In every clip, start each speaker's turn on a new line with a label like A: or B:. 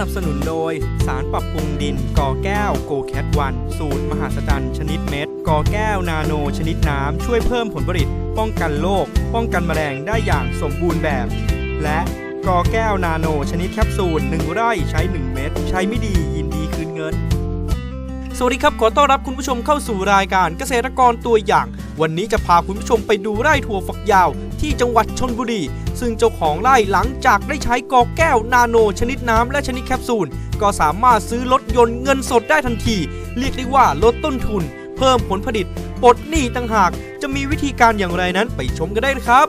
A: นับสนุนโดยสารปรับปรุงดินกอแก้วโกแคทวันสูตรมหัศจรรย์ชนิดเม็ดกอแก้วนาโนชนิดน้ำช่วยเพิ่มผลผลิตป้องกันโรคป้องกันแมลงได้อย่างสมบูรณ์แบบ และกอแก้วนาโนชนิดแคปซูล1 ไร่ใช้ 1 เม็ดใช้ไม่ดียินดีคืนเงินสวัสดีครับขอต้อนรับคุณผู้ชมเข้าสู่รายการเกษตรกรตัวอย่างวันนี้จะพาคุณผู้ชมไปดูไร่ถั่วฝักยาวที่จังหวัดชลบุรีซึ่งเจ้าของไร่หลังจากได้ใช้กอแก้วนาโนชนิดน้ำและชนิดแคปซูลก็สามารถซื้อรถยนต์เงินสดได้ทันทีเรียกได้ว่าลดต้นทุนเพิ่มผลผลิตปลดหนี้ต่างหากจะมีวิธีการอย่างไรนั้นไปชมกันได้นะครับ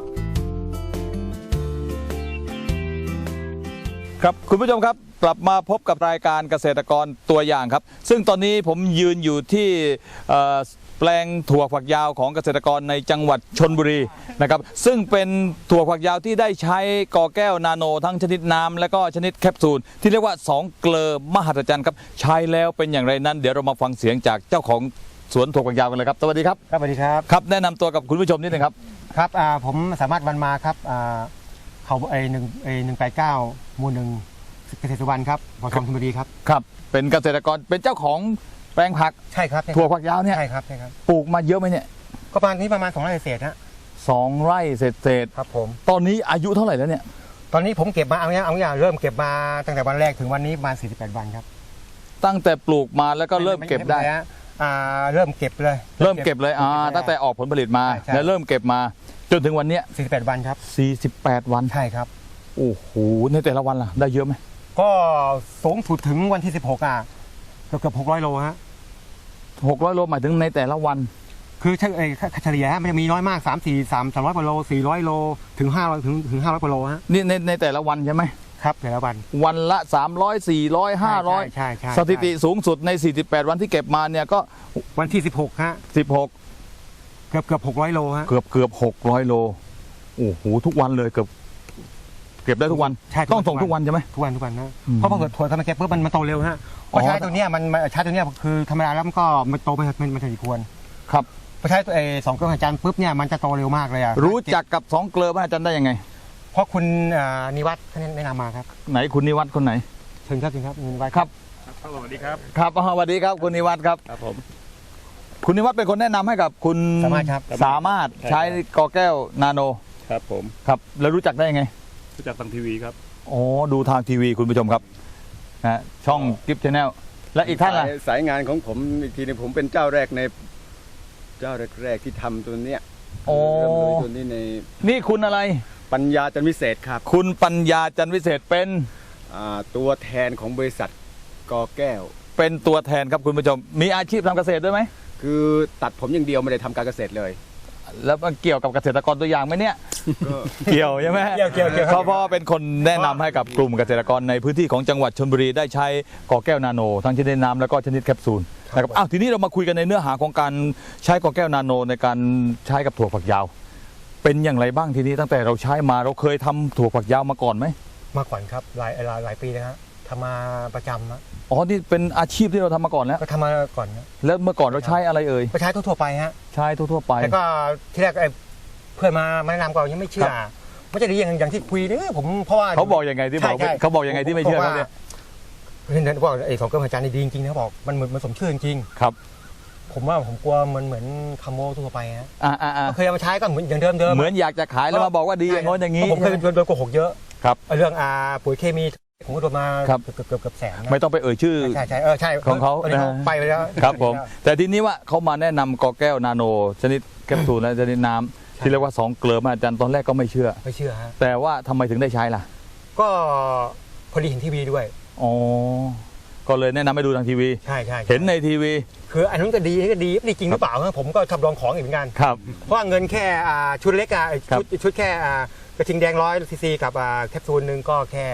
B: ครับคุณผู้ชมครับกลับมาพบกับรายการเกษตรกรตัวอย่างครับซึ่งตอนนี้ผมยืนอยู่ที่แปลงถั่วฝักยาวของเกษตรกรในจังหวัดชลบุรีนะครับซึ่งเป็นถั่วฝักยาวที่ได้ใช้กอแก้วนาโนทั้งชนิดน้ำและก็ชนิดแคปซูลที่เรียกว่า2 เกลอมหัศจรรย์ครับใช้แล้วเป็นอย่างไรนั้นเดี๋ยวเรามาฟังเสียงจากเจ้าของสวนถั่วฝักยาวกันเลยครับสวัสดีครับ
C: ครับสวัสดีครับ
B: ครับแนะนำตัวกับคุณผู้ชมนิดนึงครับ
C: ครับผมสามารถวันมาครับเขา189 หมู่ 1เกษตรสุวรรณครับพอชมชลบุรีครับ
B: ครับเป็นเกษตรกรเป็นเจ้าของแปลงผัก
C: ใช่ครับ
B: ถั่วฝักยาวเนี่ย
C: ใช่ครับใช่ครับ
B: ปลูกมาเยอะไหมเนี่ย
C: ก็ประมาณ2 ไร่เศษฮะ
B: 2 ไร่เศษ
C: ครับผม
B: ตอนนี้อายุเท่าไหร่แล้วเนี่ย
C: ตอนนี้ผมเก็บมาเอาอย่างเริ่มเก็บมาตั้งแต่วันแรกถึงวันนี้ประมาณ48 วันครับ
B: ตั้งแต่ปลูกมาแล้วก็เริ่มเก็บได้
C: เริ่มเก็บเลย
B: ตั้งแต่ออกผลผลิตมาแล้วเริ่มเก็บมาจนถึงวันนี้
C: 48 วันครับ
B: 48 วัน
C: ใช่ครับ
B: โอ้โหในแต่ละวันล่ะได้เยอะไหม
C: ก็สูงสุดถึงวันที่16เกือบ600 โลฮะ
B: 600 โลหมายถึงในแต่ละวัน
C: คือเฉลี่ยมันจะมีน้อยมาก300 กว่าโล400 โลถึง500ถึง500 กว่าโลฮะ
B: นี่ในแต่ละวันใช่ไหม
C: ครับแต่ละ
B: วันละ300 400 500
C: ใช่
B: สถิติสูงสุดใน48 วันที่เก็บมาเนี่ยก็
C: วันที่16ฮะ16เกือบ600 โลฮะ
B: เกือบ600 โลโอ้โหทุกวันเลยเก็บได้ทุกวันต้องส่งทุกวันใช่ไหม
C: ทุกวันนะเพราะพอเกิดถั่วทำมาเก็บปุ๊บมันโตเร็วฮะเพราะใช้ตัวเนี้ยมันใช้ตัวเนี้ยคือธรรมดาแล้วมันก็มันโตมันถึงควร
B: ครับ
C: พอใช้ตัว2 เกลือมหัศจรรย์ปุ๊บเนี่ยมันจะโตเร็วมากเลย
B: รู้จักกับ2 เกลือมหัศจรรย์ได้ยังไง
C: เพราะคุณนิวัฒน์ท่านแนะนำมาครับ
B: ไหนคุณนิวัฒน์คนไหน
C: เชิญครับนิวัฒน์
B: ครับ
C: สวัสดีครับ
B: ครับสวัสดีครับคุณนิวัฒน์ครับ
C: ครับผม
B: คุณนิวัฒน์เป็นคนแนะนำให้กับคุณสามารถใช้กอแก้วนาโน
D: ครับผม
B: ครับแล้วรู้จักได้ยังไง
D: รู้จักทางทีวีครับ
B: อ๋อดูทางทีวีคุณผู้ชมครับนะช่องกิฟต์ชาแนลและอีกท่านล่ะ
D: สายงานของผมอีกทีนึงผมเป็นเจ้าแรกที่ทำตัวเนี้ย
B: เริ่มโดย
D: ตัวนี้ใน
B: นี่คุณอะไร
D: ปัญญาจันวิเศษครับ
B: คุณปัญญาจันวิเศษเป็น
D: ตัวแทนของบริษัทกอแก้ว
B: เป็นตัวแทนครับคุณผู้ชมมีอาชีพทำเกษตรด้วยไหม
D: คือตัดผมอย่างเดียวไม่ได้ทำการเกษตรเลย
B: แล้วมันเกี่ยวกับเกษตรกรตัวอย่างไหมเนี่ยเกี่ยวใช่ไหม
C: เกี่ยว
B: เพราะเป็นคนแนะนำให้กับกลุ่มเกษตรกรในพื้นที่ของจังหวัดชลบุรีได้ใช้กอแก้วนาโนทั้งชนิดน้ำแล้วก็ชนิดแคปซูลนะครับทีนี้เรามาคุยกันในเนื้อหาของการใช้กอแก้วนาโนในการใช้กับถั่วฝักยาวเป็นอย่างไรบ้างทีนี้ตั้งแต่เราใช้มาเราเคยทำถั่วฝักยาวมาก่อนไหม
C: มาก่อนครับหลายปีนะฮะทำมาประจำนะ
B: อ๋อนี่เป็นอาชีพที่เราทำมาก่อนแล้ว
C: ก็ทำมาก่อนนะ
B: แล้วเมื่อก่อนเราใช้อะไรเอ่ย
C: ก็ใช้ทั่วไปฮะ
B: ใช้ทั่วไป
C: แล้วก็ที่แรกเพื่อนมาแนะนำก่อนยังไม่เชื่อไม่ใช่อย่างที่คุยเนี่ยผมเพราะว่า
B: เขาบอกยังไงที่บอกเขาบอกยังไงที่ไม่เชื่อเขาเนี่ย
C: เห็นบอก2 เกลือมหัศจรรย์นี่ดีจริงๆนะบอกมันสมชื่อจริง
B: ครับ
C: ผมว่าผมกลัวเหมือนคาโมทั่วไปฮะเคยเอามาใช้ก็เหมือนอย่างเดิม
B: เหมือนอยากจะขายแล้วมาบอกว่าดีอย่างโน้นอย่างนี้
C: ผมเคยโดนโกหกเยอะ
B: ครับ
C: เรื่องปุ๋ยเคมีผมก็โดนมาเกือบแสน
B: ไม่ต้องไปเอ่ยชื่อ
C: ใช่
B: ของเขา
C: ไปแล้ว
B: ครับผมแต่ทีนี้ว่าเขามาแนะนำกอแก้วนาโนชนิดแคปซูลและชนิดน้ำที่เรียกว่า2 เกลือมหัศจรรย์ตอนแรกก็ไม่เชื่อ
C: ฮะ
B: แต่ว่าทำไมถึงได้ใช้ล่ะ
C: ก็พอดีเห็นทีวีด้วย
B: อ๋อก็เลยแนะนำให้ดูทางทีวี
C: ใช่
B: เห็นในทีวี
C: คืออันนั้นก็ดีจริงหรือเปล่าผมก็ชอบลองของอีกเหมือนกัน
B: ครับ
C: เพราะเงินแค่ชุดเล็กชุดแค่กระทิงแดง100 ซีซีกับแคปซูลนึงก็แค่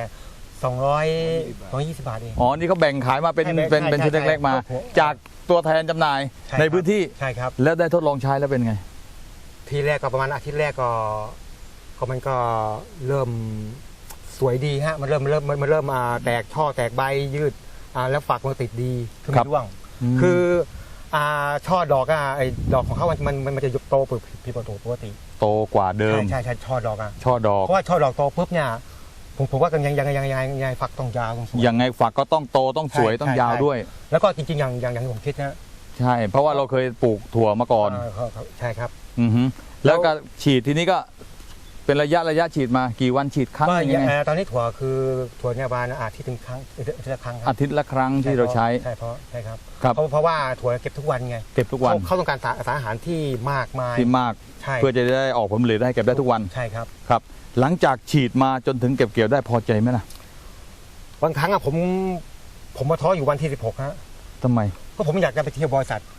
C: 220 บาทเอง
B: อ๋อนี่เขาแบ่งขายมาเป็นชุดเล็กๆมาจากตัวแทนจำหน่ายในพื้นที่
C: ใช่ครับ
B: แล้วได้ทดลองใช้แล้วเป็นไง
C: ทีแรกก็ประมาณอาทิตย์แรกก็มันก็เริ่มสวยดีฮะมันเริ่มแตกช่อแตกใบยืดแล้วฝักมันติดดีคือไม่ร่วงคือช่อดอกไอ้ดอกของเขามันจะโตผิดปกติ
B: โตกว่าเดิม
C: ใช่ช่อดอก
B: ช่อดอก
C: เพราะว่าช่อดอกโตปุ๊บเนี่ยผผมว่ายังฝักต้องยาวต้องสวย
B: ยังไงฝักก็ต้องโตต้องสวย
C: ใช่
B: ต้องยาว
C: ใช่
B: ด้วย
C: แล้วก็จริงๆอย่างที่ผมคิดนะ
B: ใช่ เพราะว่าเราเคยปลูกถั่วมาก่อน
C: ครับใช่ครับ
B: อือฮึแล้วก็ฉีดทีนี้ก็เป็นระยะฉีดมากี่วันฉีดครั้ง
C: ก็
B: ยังไง
C: ตอนนี้ถั่วเนี่ยประมาณอาทิตย์ถึงครั้งอาทิตย์ละครั้งค
B: อา
C: รับ
B: ทิตย์ละครั้งที่เราใช้
C: ใช่ครับ
B: ครับ
C: เพราะว่าถั่วเก็บทุกวันไง
B: เก็บทุกวัน
C: เขาต้องการสารอาหารที่มากมาย
B: ที่มาก
C: ใช่
B: เพื่อจะได้ออกผลผลิตให้เก็บได้ทุกวัน
C: ใช่ครับ
B: ครับ หลังจากฉีดมาจนถึงเก็บเกี่ยวได้พอใจไหมล่ะ
C: บางครั้งอะผมมาท้ออยู่วันที่16ฮะ
B: ทำไม
C: เพราะผมอยากจะไปเที่ยวบริษัท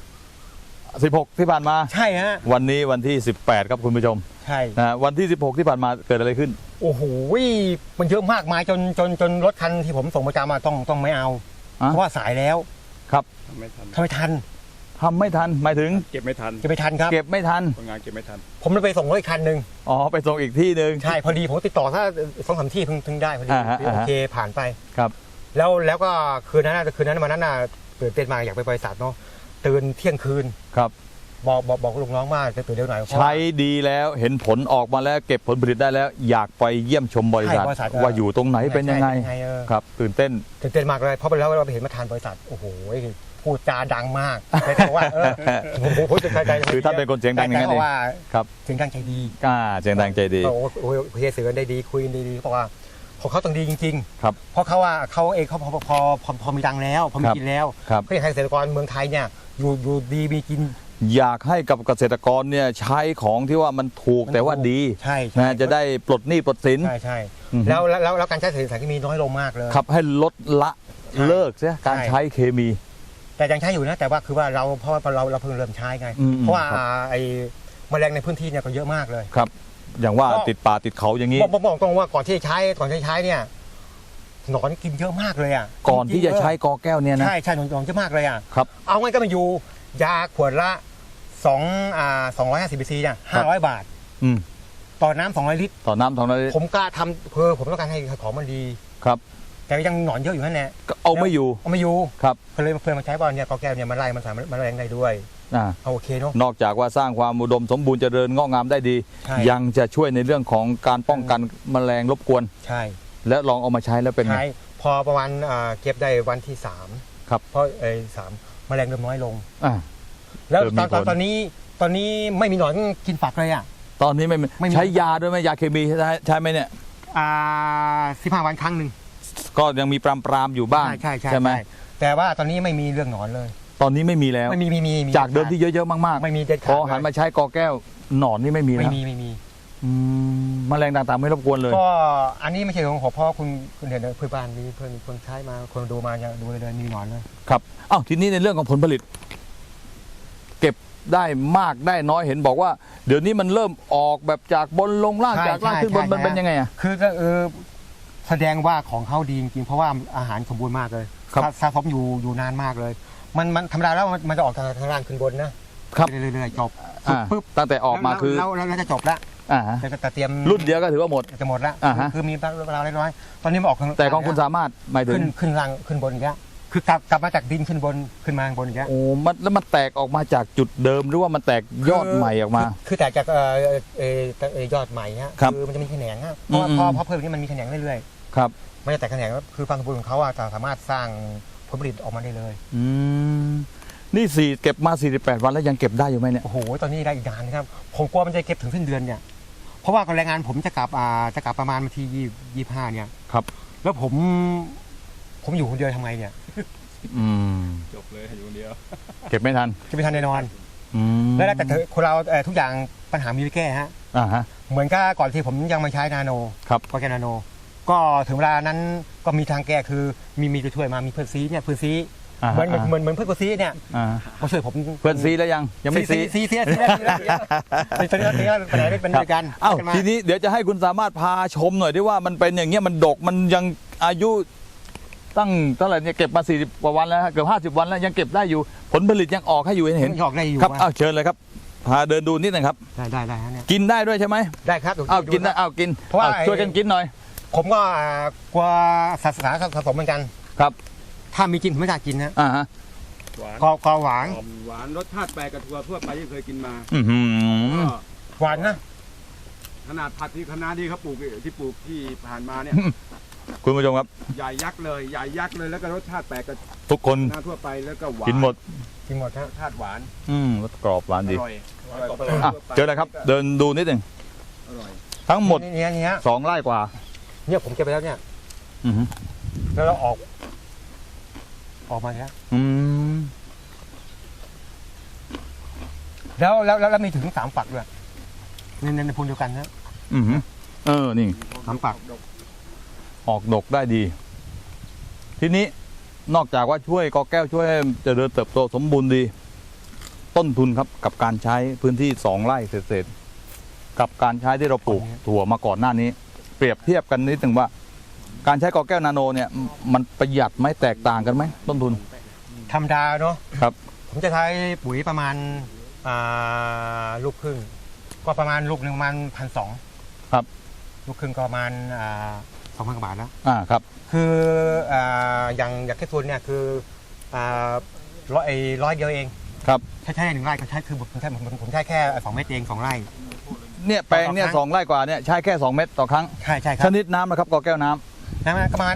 B: 16 ที่ผ่านมา
C: ใช่ฮะ
B: วันนี้วันที่ 18 ครับคุณผู้ชม
C: ใช่
B: นะวันที่ 16 ที่ผ่านมาเกิดอะไรขึ้น
C: โอ้โหมันเยอะมากมายจนรถคันที่ผมส่งประจำมาต้องไม่เอา
B: อ่ะ
C: เพราะว่าสายแล้ว
B: ครับ
D: ทำไม่ทัน
C: ทำไมทัน
B: ทำไม่ทันหมายถึง
D: เก็บไม่ทัน
C: จะไปทันครับ
B: เก็บไม่ทัน
D: คนงานเก็บไม่ทัน
C: ผมเลยไปส่งรถอีกคันหนึ่ง
B: อ๋อไปส่งอีกที่หนึ่ง
C: ใช่พอดีผมติดต่อถ้า2-3ที่ถึงได้พอดี
B: อ่าฮะ
C: โอเคผ่านไป
B: ครับ
C: แล้วก็คืนนั้นวันนั้นน่ะตื่นเต้นมากอยากไปบริษัทเนาะตื่นเที่ยงคืน
B: ครับ
C: บอกลูกน้องว่าจะตื่นเร็วหน่อยเพราะว่า
B: ใช้ดีแล้วเห็นผลออกมาแล้วเก็บผลผลิตได้แล้ว อยากไปเยี่ยมชมบริษัท
C: ใช่บริษัท
B: ว่าอยู่ตรงไหนเป็นยังไง
C: ใช่
B: ครับตื่นเต้น
C: ตื่นเต้นมากเลยเพราะไปแล้วเราไปเห็นประธานบริษัทโอ้โหพูดจาดังมากแต่บอกว่าผมจะใจ
B: คือท่านเป็นคนเสียงดังอย่างนั้นเอง
C: แต่ว่า
B: ครับ
C: เสียงดังใจดี
B: เสียงดังใจดี
C: โอ้โหคุยเสือได้ดีคุยกันดีเพราะว่าของเขาต้องดีจริง
B: ครับ
C: ๆเพราะเขาเองเขาพอมีดังแล้วพอมีกินแล้ว
B: ครับ
C: เขาอยากให้เกษตรกรเมืองไทยเนี่ยอยู่ดีมีกิน
B: อยากให้กับเกษตรกรเนี่ยใช้ของที่ว่ามันถูกแต่ว่าดี
C: ใช่
B: นะจะได้ปลดหนี้ปลดสิน
C: ใช่
B: อือฮึ
C: แล้วการใช้สารเคมีน้อยลงมากเลย
B: ครับให้ลดละ
C: ใช่
B: เลิกเสียการ
C: ใช่
B: ใช้เคมี
C: แต่ยังใช้อยู่นะแต่ว่าคือว่าเพราะว่าเราเพิ่งเริ่มใช้ไง
B: อืม
C: เพราะว่า
B: ครับ
C: ไอ้แมลงในพื้นที่เนี่ยก็เยอะมากเลย
B: ครับ อย่างว่า
C: ก็
B: ติดป่าติดเขาอย่างนี้
C: บอกตรงว่าก่อนที่จะใช้เนี่ยหนอนกินเยอะมากเลยอ่ะ
B: ก่อนที่จะใช้กอแก้วเนี่ยนะ
C: ใช่หนอนเยอะมากเลยอ่ะ
B: ครับ
C: เอาไงก็มาอยู่ยาขวดละ250 cc เนี่ย500 บาท
B: อืม
C: ต่อน้ำ200 ลิตร
B: ต่อน้ำทองนั้น
C: ผมกล้าทำเพื่อผมต้องการให้ของมันดี
B: ครับ
C: แต่ยังหนอนเยอะอยู่นั่นแหละ
B: ก็เอาไม่อยู่
C: เอาไม่อยู่
B: ครับ
C: เพื่อนมาใช้บอลเนี่ยกอแก้วเนี่ยมันไล่มันสามารถมันแรงได้ด้วย
B: อ่า
C: เอาโอเคเนาะ
B: นอกจากว่าสร้างความอุดมสมบูรณ์เจริญงอกงามได้ดี
C: ใช่
B: ยังจะช่วยในเรื่องของการป้องกันแมลงรบกวน
C: ใช่
B: และลองเอามาใช้แล้วเป็นไง
C: ใช่พอประมาณเก็บได้วันที่3
B: ครับ
C: เพราะ3แมลงเริ่มน้อยลง
B: อ่า
C: แล้ว
B: เริ่มมีผล
C: ตอนนี้ไม่มีหนอนกินฝักเลยอ่ะ
B: ตอนนี้ไม่
C: ไม่มี
B: ใช้ยาด้วยไหมยาเคมีใช้ไหมเนี่ย
C: 15 วันครั้งหนึ่ง
B: ก็ยังมีปรามอยู่บ้าง
C: ใช่
B: ไหม
C: แต่ว่าตอนนี้ไม่มีเรื่องหนอนเลย
B: ตอนนี้ไม่มีแล้ว
C: ไม่มี
B: จากเดิมที่เยอะๆมาก
C: ไม่มีเด็ด
B: ๆ
C: ขา
B: พ
C: ด
B: อหันมาใช้กอแก้วหนอนนี่ไม่มี
C: ไม่
B: แล้ว
C: มี
B: อืมแมลงต่างๆไม่รบกวนเลย
C: ก็อันนี้ไม่ใช่ของผมเพราะคุณเห็นเพื่อนบ้านมีเพื่อนคนใช้มาคนดูมาดูเลยมีหนอนเลย
B: ครับอ้าวทีนี้ในเรื่องของผลผลิต เก็บได้มากได้น้อยเห็นบอกว่า เดี๋ยวนี้มันเริ่มออกแบบจากบนลงล่าง
C: ใช่
B: จากล่างขึ้นบน
C: ใช่
B: มันเป็นยังไงอ่ะ
C: คือแสดงว่าของเขาดีจริงๆเพราะว่าอาหารสมบูรณ์มากเลย
B: ครับ
C: สะสมอยู่นานมากเลย มันธรรมดาแล้วมันจะออกทางล่างขึ้นบนนะครับ เรื่อยๆจบ
B: อ่า
C: ปุ๊บ
B: ตั้งแต่ออกมาคือ
C: แล้วจะจบละ
B: อ่าฮะ
C: แต่เตรียม
B: รุ่นเดียวก็ถือว่าหมด
C: จะหมดละ
B: อ่าฮะ
C: คือมีเวลาเล็กน้อยตอนนี้มันออกทาง
B: แต่ของคุณสามารถหมายถึง
C: ขึ้นล่างขึ้นบนอีกแล้วคือกลับมาจากดินขึ้นบนขึ้นมาข้างบนอีกแล้ว
B: โอ้มันแล้วมันแตกออกมาจากจุดเดิมหรือว่ามันแตกยอดใหม่ออกมา
C: คือแตกจากยอดใหม่ฮะ
B: ครับ
C: คือมันจะมีแขนงฮะเพราะว่า
B: อืม
C: พอเพิ่มนี้มันมีแขนงเรื่อย
B: ครับ
C: ๆมันจะแตกแขนงแล้วคือความสมบูรณ์ของเขาจะสามารถสร้างผลผลิตออกมาได้เลย
B: อืมนี่เก็บมา48 วันแล้วยังเก็บได้อยู่ไหมเนี่ย
C: โอ้โหตอนนี้ได้อีกนานนะครับผมกลัวมันจะเก็บถึงสิ้นเดือนเนี่ยเพราะว่าแรงงานผมจะกลับประมาณวันที่25เนี่ย
B: ครับ
C: แล้วผมอยู่คนเดียวทำไงเนี่ย
B: อืม
D: จบเลยอยู่คนเดียว
B: เก็บไม่ทัน
C: จะไม่ทันแน่นอน
B: อืม
C: แล้วแต่คนเราทุกอย่างปัญหามีไว้แก้ฮะ
B: อ่าฮะ
C: เหมือนกับก่อนที่ผมยังมาใช้นาโน
B: ครับ
C: ก็แกนาโน ก็ถึงเวลานั้นก็มีทางแก้คือมีตัวช่วยมามีเพื่อนซีเนี่ยเพื่อนซี
B: อ่า
C: เหมือน
B: ฮะ
C: เหมือนเพื่อนกูซีเนี่ย
B: อ่า
C: มาช่วยผม
B: เพื่อนซีแล้วยังไม่ซี
C: ซีตอนนี้ปัญหาเป็นด้วยกัน
B: อ้าว
C: กันมา
B: ทีนี้เดี๋ยวจะให้คุณสามารถพาชมหน่อยด้วยว่ามันเป็นอย่างเงี้ยมันดกมันยังอายุตั้งเท่าไหร่เนี่ยเก็บมา40 กว่าวันแล้วฮะเกือบ50 วันแล้วยังเก็บได้อยู่ผลผลิตยังออกให้อยู่เห็น
C: หยอกได้อยู่
B: ครับอ้าวเชิญเลยครับพาเดินดูนิดหนึงครับ
C: ได้ฮะเนี่ย
B: กินได้ด้วยใช่ไหม
C: ได้ครับ
B: อ้าวกินได้อ้าวกิน
C: เพราะว่า
B: อ้าวช่วยกันกินหน่อย
C: ผมก็กลัวสะสมเหมือนกัน
B: ครับ
C: ถ้ามีจริงผมไม่กล้ากินนะ
B: อ่าฮะ
D: หวาน
C: ก็หวาน
D: หวานรสชาติแปลกกับถั่วทั่วไปที่เคยกินมา
B: อื้อหือ
D: ก็
C: หวานนะ
D: ขนาดผัดที่คณะที่เขาปลูกที่ผ่านมาเนี่ย
B: คุณผู้ชมครับ
D: ใหญ่ยักษ์เลยใหญ่ยักษ์เลยแล้วก็รสชาติแปลกกับ
B: ทุกคน
D: หน้าทั่วไปแล้วก็หวาน
B: กินหมด
C: กินหมดครับ
D: รสชาติหวาน
B: รสกรอบหวาน
D: อ
B: ดี
D: ร่อยอร่อยกว่า
B: อ่ะเจอเลยครับ เดินดูนิดหนึ่ง
D: อร่อย
B: ทั้งหมด
C: เนี่ย
B: 2 ไร่กว่า
C: เนี่ยผมเก็บไปแล้วเนี่ย
B: อือหือ
C: แล้วเราออกมาแล้ว
B: อืม
C: แล้วมีถึง3 ฝักด้วยในพูนเดียวกันนะ
B: อือหือนี่
C: 3 ฝัก
B: ออกดกได้ดี ทีนี้นอกจากว่าช่วยกอแก้วช่วยให้เจริญเติบโตสมบูรณ์ดี ต้นทุนครับกับการใช้พื้นที่2 ไร่เศษๆกับการใช้ที่เราปลูกถั่วมาก่อนหน้านี้ เปรียบเทียบกันนิดหนึ่งว่า การใช้กอแก้วนาโนเนี่ยมันประหยัดไหมแตกต่างกันไหมต้นทุน
C: ธรรมดาเนาะ
B: ครับ
C: ผมจะใช้ปุ๋ยประมาณลูกครึ่งก็ประมาณลูกหนึ่งประมาณ1,200
B: ครับ
C: ลูกครึ่งก็ประมาณ2,000 กว่าบาทแล้ว
B: ครับ
C: คืออย่างแค่ส่วนเนี่ยคือร้อยเดียวเอง
B: ครับ
C: ใช้1 ไร่ก็ใช้คือผมใช้แค่2 เม็ดเอง2 ไร่
B: เนี่ยแปลงเนี่ย
C: ต่อครั้ง
B: 2 ไร่กว่าเนี่ยใช้แค่ 2 เม็ดต่อครั้ง
C: ใช่ครั
B: ช
C: บ
B: นิดน้ำนะครับกอแก้วน้ำ
C: นะประมาณ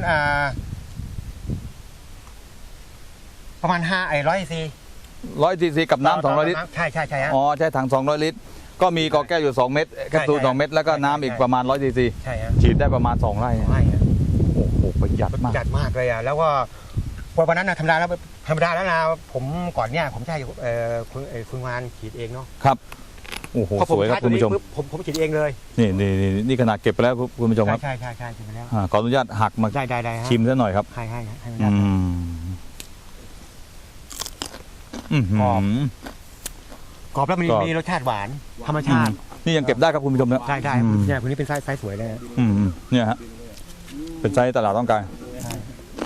C: 100 ซี
B: 100 ซีซีกับน้ำ200 ลิตร
C: ใช่ฮะ
B: อ๋อใช้ถัง200 ลิตร ก็มีกอแก้วอยู่2 เม็ดแคปซูล
C: ใช่
B: 2 เม็ดแล้วก็น้ำอีกประมาณ100 ซีซี
C: ใช่ฮะ
B: ฉีดได้ประมาณ2 ไร่
C: 2 ไร่ฮะ
B: โอ้โหประหยัดมาก
C: จัดมากเลยอ่ะแล้วก็วันนั้นนะธรรมดาแล้วนะผมก่อนเนี่ยผมใช้คุณงานฉีดเองเนาะ
B: ครับโอ้โห
C: พอ
B: สวยครับคุณผู้ชม
C: ผมฉีดเองเลย
B: นี่ขนาดเก็บไปแล้วคุณผู้ชมครับ
C: ใช่ฉีดไปแล้ว
B: ขออนุญาตหักมา
C: ได้ฮะ
B: ชิมซะหน่อยครับ
C: ให้มัน
B: อื
C: ได้
B: ม
C: กรอบแล้วมันมีรสชาติหวานธรรมชาติ
B: นี่ยังเก็บได้ครับคุณผู้ชมนะ
C: ได้
B: อืม
C: เนี่ยคนนี้เป็นไซส์สวยเลยฮะ
B: เนี่ยฮะเป็นไซส์ตลาดต้องการ
C: ใช่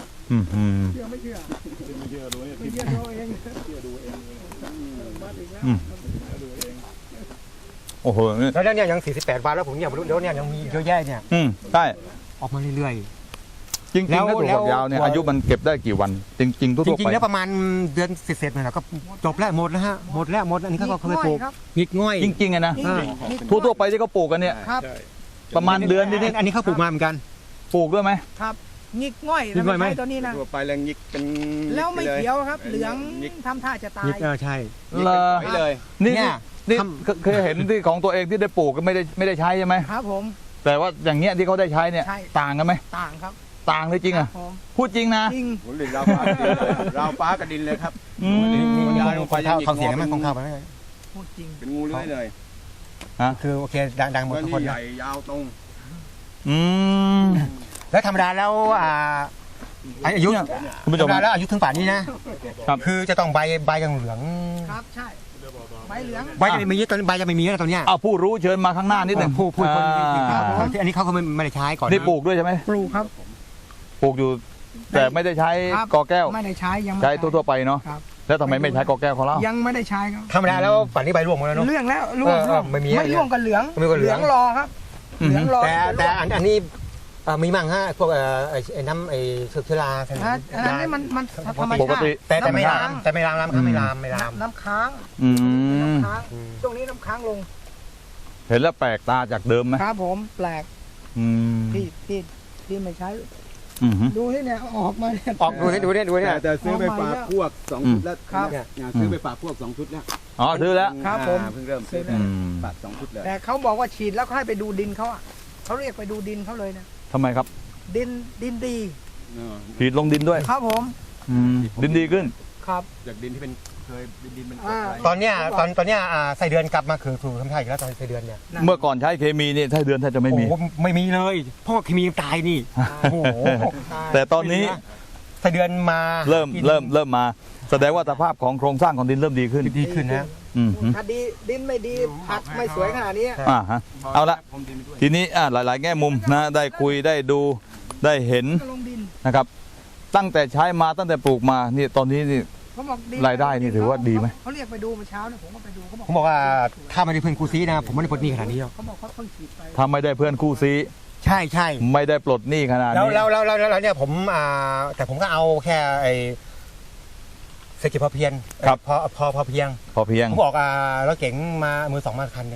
B: โอ้โหนี่
C: แล้วเนี่ยยัง48 วันแล้วผมเนี่ยแล้วเนี่ยยังมีเยอะแยะเนี่ย
B: ใช่
C: ออกมาเรื่อย
B: จริงๆแล้วถั่วฝักยาวเนี่ยอายุมันเก็บได้กี่วัน จริงๆทั่
C: ๆ จ
B: วๆ
C: ริง
B: ไป
C: ๆแล้วประมาณเดือนเสร็จๆเนี่ยก็จบแล้วหมดแล้วฮะหมดอันนี้เขาก็เคยปลูก
E: ครับ
C: งิกง่อย
B: จริงๆอะนะ
C: อ่า
B: ทั่วๆไปที่เขาปลูกกันเนี่ย
E: ครับ
B: ประมาณเดือนนิด
C: อันนี้เขาปลูกมาเหมือนกัน
B: ๆปลูกด้วยไหม
E: ครับงิกง่อย
C: งิกง่อยไหม
E: ใช่ตัวนี้นะ
D: ทั่วไปแล้วยิกเป็น
E: แล้วไม่เขียวครับ เหลือง
D: ยิก
E: ทำท่าจะตาย
C: งิกใช่
D: ยิก
B: เล
D: เป็น
B: อ
D: ฝอยเลย
B: นี่
C: เนี่ย
B: นี่
C: ท
B: เคยเห็นที่ของตัวเองที่ได้ปลูกก็ไม่ได้ใช้ใช่ไหม
E: ครับผม
B: แต่ว่าอย่างเงี้ยที่เขาได้ใช้เนี่ย
E: ใช่
B: ต่างกันไหม
E: ต่างครับ
B: ต่างเลยจริง
E: ค
B: อ่ะ
E: บผม
B: พูดจริงนะ
E: จริง
D: โอ้โหราวฟ้ากระดินเลยราวฟ้ากระดินเลยครับ
B: อืม
C: นี่ของเสียงไหมของข้าวไปไหม
E: พูดจริง
D: เป็นงูเลื้อยเลย
C: คือโอเคดังหมด
D: แล้ว
C: ทุก
D: นี่
C: คน
D: ให
C: นะ
D: ญ่ยาวตรง
B: อืม
C: แล้วธรรมดาแล้วอายุ
B: คุณผู้ช
C: ธร
B: ม
C: รมดาแล้วอายุถึงป่านนี้นะครับ คือจะต้องใบยังเหลือง
E: ครับใช่ใบเหลือง
C: ใบจะไม่มีตอนใบจะไม่มีแล้วตอนเนี้ย
B: เอาผู้รู้เชิญมาข้างหน้านิดหนึ่ง
C: พูดคนที่
B: อ่า
C: อันนี้เขาก็ไม่ได้ใช้ก่อนนะ
B: นี่ปลูกด้วยใช่ไหม
E: ปลูกครับ
B: ปลูกอยู่ แต่ไม่ได้ใช้
E: ครับ
B: กอแก้ว
E: ไม่ได้ใช้ยังไม่
B: ใช้ทั่วๆไปเนาะ
E: ครับ
B: แล้วทำไมไม่ใช้กอแก้วของเรา
E: ยังไม่ได้ใช้ครับ
C: ธรรมดาแล้วป่านนี้ใบร่วงหมดแล้วเนาะ
E: เรื่องแล้วร่วง
C: ไม่มี
E: ไม่ร่วงกันเหลือง
C: ไม่ร่วงกับเหลือง
E: รอครับ
B: อืม
E: เหลืองรอ
C: แต่อันนี้มีมั่งฮะพวกไอ้น้ำไอ้เชื้อรา
E: อันนั้นมันธรรม
B: ปก
E: ชา
B: ติ
E: ติ
C: แต่ไม่ลามไม่ลาม
E: น้ำค้าง
B: อืม
E: น้ำค้างช่วงนี้น้ำค้างลง
B: เห็นแล้วแปลกตาจากเดิมไหม
E: ครับผมแปลก
B: อืม
E: ที่ไม่ใช้
B: อืม
E: ดูที่เนี่ยออกมาเนี่ย
C: ออกดูเนี่ย
D: แต่ซื้อไปฝากพวก2 ชุดแล้ว
E: ครับ
D: เนี่ยซื้อไปฝากพวก2 ชุดแล้ว
B: อ๋อซื้อแล้ว
E: ครับผม
D: เพิ่งเริ่มซื้อ
B: อืม
D: ฝาก2 ชุดเลย
E: แต่เขาบอกว่าฉีดแล้วเขาให้ไปดูดินเขาอ่ะเขาเรียกไปดูดินเขาเลยนะ
B: ทำไมครับ
E: ดินดี
B: ฉีดลงดินด้วย
E: ครับผม
B: ดินดีขึ้น
E: ครับ
D: จากดินที่เป็นเคยเป็นดินมันกรด
E: อ่า
D: อะไร
C: ตอนเนี้ยไส้เดือนกลับมาคือถูกทำท่าอีกแล้วตอนไส้เดือนเนี่ย
B: เมื่อก่อนใช้เคมีนี่ถ้าเดือนแทบจะไม่มี
C: โอ้ไม่มีเลยเพราะว่าเคมีตายนี่โอ้โห
B: แต่ตอนนี้
C: ไส้เดือนมา
B: เริ่มมา แสดงว่าสภาพของโครงสร้างของดินเริ่มดีขึ้น
C: ดีขึ้นนะ
B: อืม
E: ถ้าดินไม่ดีผักไม่สวยขนาดนี้
B: ฮะเอาละ
D: ผมดินไปด้วย
B: ทีนี้หลาย ๆ แง่มุมนะได้คุยได้ดูได้เห็น
E: ก็ลงดิน
B: นะครับ ตั้งแต่ใช้มาตั้งแต่ปลูกมานี่ตอนนี้นี่
E: เขาบอกดิน
B: รายได้นี่ถือว่าดีไหม
E: เขาเรียกไปดูเมื่อเช้าเนี่ยผมก็ไปดูเขาบอก
C: ผมบอกว่าถ้าไม่ได้เพื่อนครูซีนะผมไม่ได้ปลดหนี้ขนาดนี้หรอก
E: เขาบอกเขาเพิ่งฉีดไป
B: ถ้าไม่ได้เพื่อนคู่ซี
C: ใช่
B: ไม่ได้ปลดหนี้ขนาด
C: แล้ว
B: นี้
C: แล้วเนี่ยผมแต่ผมก็เอาแค่ไอ้เศรษฐกิจพอเพียง
B: ครับ
C: พอเพียง
B: พอเพียง
C: ผมบอกรถเก๋งมามือ 2 มาคันหนึ่ง
B: ไป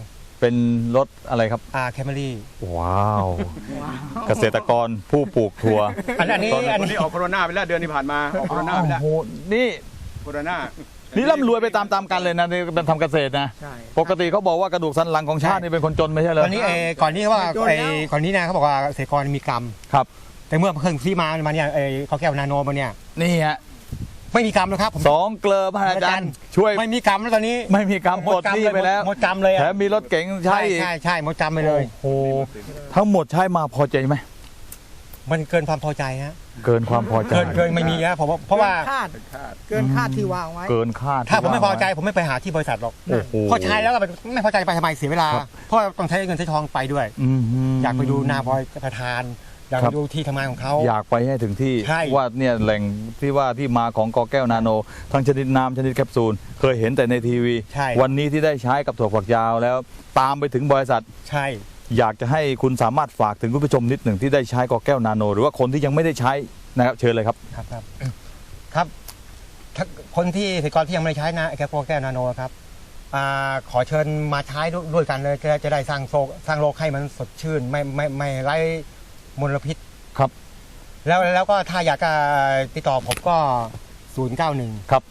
B: เป็นรถอะไรครับ
C: แคมรี่
B: ว้าว เกษตรกรผู้ปลูกถั่ว
C: อันนี้
D: วันนี้ออกโคโรนาไปแล้วเดือนที่ผ่านมาออกโคโรนาไปแล้ว
B: โอ้โหนี่
D: โคโรนา
B: นี่ร่ำรวยไปตามๆกันเลยนะนี่เป็นทำเกษตรนะ
E: ใช่
B: ปกติเขาบอกว่ากระดูกสันหลังของชาตินี่เป็นคนจนไม่ใช่เหรอ
C: ตอนนี้ก่อนนี้ว่าก่อนนี้นะเขาบอกว่าเกษตรกรมีกรรม
B: ครับ
C: แต่เมื่อเพิ่งที่มาเนี่ยเขาแก้วนาโนมาเนี่ย
B: นี่ฮะ
C: ไม่มีกรรมแล้วครับผม
B: สองเกลอพระอาจารย์ช่วย
C: ไม่มีกรรมแล้วตอนนี้
B: ไม่มีกรรมปลดหนี้ไปแล้ว
C: หมดกรรมเลย
B: แถมมีรถเก๋งใช้
C: ใช่หมดกรรมไปเลย
B: โอ้โหทั้งหมดใช้มาพอใจไหม
C: มันเกินความพอใจฮะ
B: เกินความพอใจ
C: เกินไม่มีนะผมเพราะว่า
E: เกินคาดที่วางไว้
B: เกินคาด
C: ถ้าผมไม่พอใจผมไม่ไปหาที่บริษัทหรอก
B: โอ้โห
C: พอใช้แล้วก็ไม่พอใจไปทำไมเสียเวลา เพราะต้องใช้เงินใช้ทองไปด้วย อยากไปดูนาบอยประธาน อยากไปดูที่ทำงานของเขา
B: อยากไปให้ถึงที่
C: ใช่
B: ว่าเนี่ยแหล่งที่ว่าที่มาของกอแก้วนาโน ทั้งชนิดน้ำชนิดแคปซูลเคยเห็นแต่ในทีวี
C: ใช่
B: วันนี้ที่ได้ใช้กับถั่วฝักยาวแล้วตามไปถึงบริษัท
C: ใช่
B: อยากจะให้คุณสามารถฝากถึงคุณผู้ชมนิดหนึ่งที่ได้ใช้กอแก้วนาโน หรือว่าคนที่ยังไม่ได้ใช้นะครับเชิญเลยครับ
C: ครับถ้าคนที่เกษตรกรที่ยังไม่ได้ใช้นะแก้วนาโนครับขอเชิญมาใช้ด้วยกันเลยจะได้สร้างโลกให้มันสดชื่นไม่ไร้มลพิษ
B: ครับ
C: แล้วก็ถ้าอยากจะติดต่อผมก็ 091
B: ครับ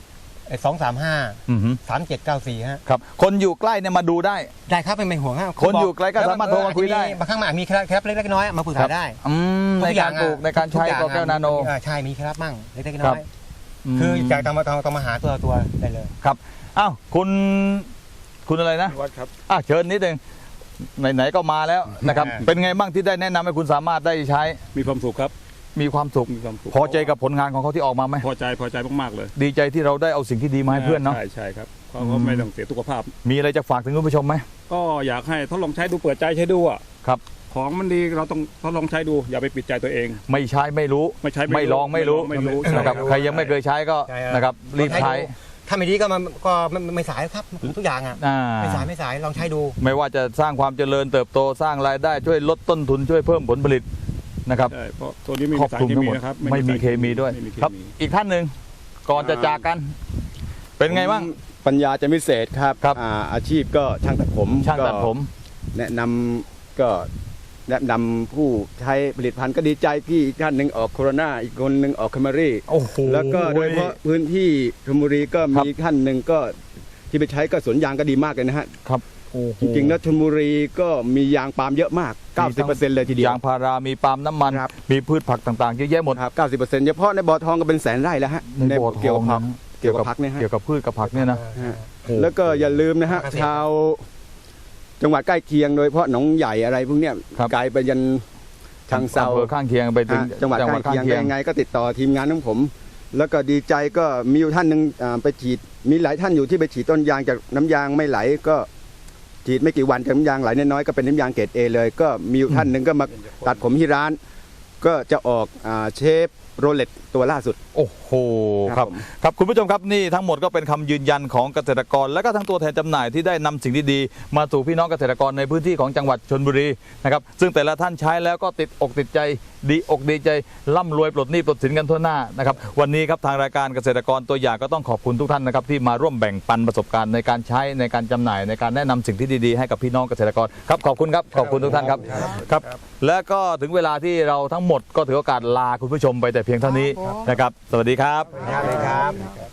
C: 235
B: อือหือ
C: 3794ฮะ
B: ครับคนอยู่ใกล้เนี่ยมาดูได้
C: ได้ครับไม่ห่วงฮะ
B: คนอยู่ไกลก็สามารถโทรมาคุยได้
C: บางครั้งมันอาจมีเคล็ดเล็กๆน้อยๆมาปรึกษาได้
B: ในการปลูกในการใช้กอแก้วนาโน
C: ใช่มีเคล็ดลับมั่งเล็กๆ
B: ครั
C: น้
B: บ
C: อยๆคืออยากต้องมาหาตัวได้เลย
B: ครับอ้าวคุณอะไรนะ
D: วัดครับ
B: เชิญนิดนึงไหนๆก็มาแล้วนะครับ เป็นไงบ้างที่ได้แนะนำให้คุณสามารถได้ใช้
F: มีความสุขครับ
B: มีความสุข
F: มีความสุข
B: พอใจกับผลงานของเขาที่ออกมาไหม
F: พอใจมากๆเลย
B: ดีใจที่เราได้เอาสิ่งที่ดีมาให้เพื่อนเนาะ
F: ใช่ครับเขาก็ไม่ต้องเสียสุขภาพ
B: มีอะไรจะฝากถึงคุณผู้ชมไหม
F: ก็อยากให้ทดลองใช้ดูเปิดใจใช้ดูอ่ะ
B: ครับ
F: ของมันดีเราต้องทดลองใช้ดูอย่าไปปิดใจตัวเอง
B: ไม่ใช้ไม่รู้
F: ไม่ใช้
B: ไม่ลองไม่รู้
F: ไม่รู้
B: นะครับ
F: ใช่
B: ใครยังไม่เคยใช้ก็
C: ใช่ครับ
B: นะครับรีบใช้
C: ถ้าไม่ดีก็ไม่สายครับทุกอย่างอ่ะ
B: อ่า
C: ไม่สายลองใช้ดู
B: ไม่ว่าจะสร้างความเจริญเติบโตสร้างรายได้ช่วยลดต้นทุนช่วยเพิ่มผลผลิตนะครับ
F: ใช่เพราะตัวนี้ไม่
B: คร
F: มี
B: อบ
F: สาร
B: คลุม
F: เค
B: ทั้ง
F: มี
B: หมด
F: นะครับ
B: ไม่มีเคมีด้วย
F: ไม่มีเค
B: ครับ
F: มี
B: อีกท่านหนึ่งก่อนจะจากกัน เป็นไงบ้าง
D: ปัญญาจะวิเศษครับ
B: ครับ
D: อาชีพก็ช่างตัดผม
B: ช่างตัดผม
D: แนะนำผู้ใช้ผลิตภัณฑ์ก็ดีใจพี่อีกท่านหนึ่งออกโคโรนาอีกคนหนึ่งออกแคมรี่
B: โอ้โห
D: แล้วก็โดยเฉพาะพื้นที่ชลบุรีก็
B: ครับ
D: มีท่านหนึ่งก็ที่ไปใช้ก็สวนยางก็ดีมากเลยนะฮะ
B: ครับโอ้โห
D: จริงๆแล้วชลบุรีก็มียางปาล์มเยอะมาก 90%เลยทีเดียวย
B: างพารามีปาล์มน้ำมัน
D: ครับ
B: มีพืชผักต่างๆเยอะแยะหมด
D: ครับ90%เฉพาะในบ่อทองก็เป็นแสนไร่แล้วฮะ
B: ในบ่อท
D: เกี่ยว
B: อง
D: กับผัก
B: นะ
D: เกี่ยวกับผักเนี่ยฮะ
B: เกี่ยวกับพืชกับผักเนี่ยนะ
D: ฮะ
B: โอ้
D: แล้วก็อย่าลืมนะฮะ
C: เกษตร
D: ชาวจังหวัดใกล้เคียงโดยเฉพาะหนองใหญ่อะไรพวกเนี้ย
B: ครับ
D: ไกลไปยันทางเซา
B: อำเภอข้างเคียงไปถึง
D: จังหวัดใกล้เคียงได้ยังไงก็ติดต่อทีมงานของผม แล้วก็ดีใจก็มีอยู่ท่านหนึ่งไปฉีดมีหลายท่านอยู่ที่ไปฉีดต้นยางจากน้ำยางไม่ไหลก็ฉีดไม่กี่วันจากน้ำยางไหลน้อยๆก็เป็นน้ำยางเกรดเอเลย ก็มีอยู่ท่านหนึ่งก็มาตัดผมที่ร้าน ก็จะออกเชฟโรเลตตัวล่าสุด
B: โอ้โหค
D: ครั
B: รับบ
D: ผม
B: ครับคุณผู้ชมครับนี่ทั้งหมดก็เป็นคำยืนยันของเกษตรกร และก็ทั้งตัวแทนจำหน่ายที่ได้นำสิ่งดีๆมาสู่พี่น้องเกษตรกรในพื้นที่ของจังหวัดชลบุรีนะครับซึ่งแต่ละท่านใช้แล้วก็ติดอกติดใจดีอกดีใจร่ำรวยปลดหนี้ปลดสินกันทั่วหน้านะครับวันนี้ครับทางรายการเกษตรกรตัวอย่างก็ต้องขอบคุณทุกท่านนะครับที่มาร่วมแบ่งปันประสบการณ์ในการใช้ในการจำหน่ายในการแนะนำสิ่งที่ดีๆให้กับพี่น้องเกษตรกรครับขอบคุณครับขอบคุณทุกท่านครับครับและก็ถึงเวลาที่เราทั้งหมดก็ถือโอกาสลาคุณผู้ชมไปแต่เพียงเท่านี้นะครับสวัสดีครับ
C: ครับ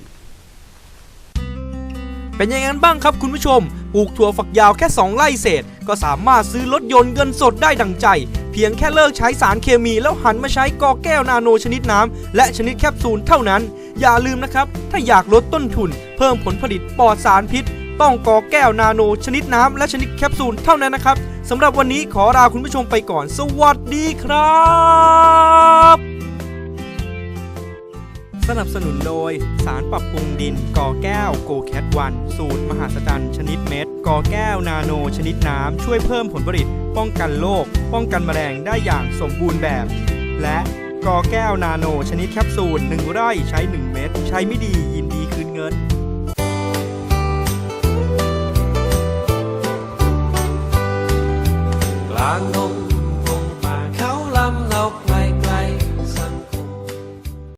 A: เป็นยังไงกันบ้างครับคุณผู้ชม ปลูกถั่วฝักยาวแค่ 2 ไร่เศษ ก็สามารถซื้อรถยนต์เงินสดได้ดังใจ เพียงแค่เลิกใช้สารเคมีแล้วหันมาใช้กอแก้วนาโนชนิดน้ำและชนิดแคปซูลเท่านั้น อย่าลืมนะครับ ถ้าอยากลดต้นทุน เพิ่มผลผลิตปลอดสารพิษ ต้องกอแก้วนาโนชนิดน้ำและชนิดแคปซูลเท่านั้นนะครับสำหรับวันนี้ขอลาคุณผู้ชมไปก่อน สวัสดีครับ สนับสนุนโดยสารปรับปรุงดินกอแก้วโกแคทวันสูตรมหาสจรรย์ชนิดเม็ดกอแก้วนาโนชนิดน้ำช่วยเพิ่มผลผลิตป้องกันโรคป้องกันแมลงได้อย่างสมบูรณ์แบบ และกอแก้วนาโนชนิดแคปซูล1 ไร่ใช้ 1 เม็ดใช้ไม่ดียินดีคืนเงิน
G: กลางดง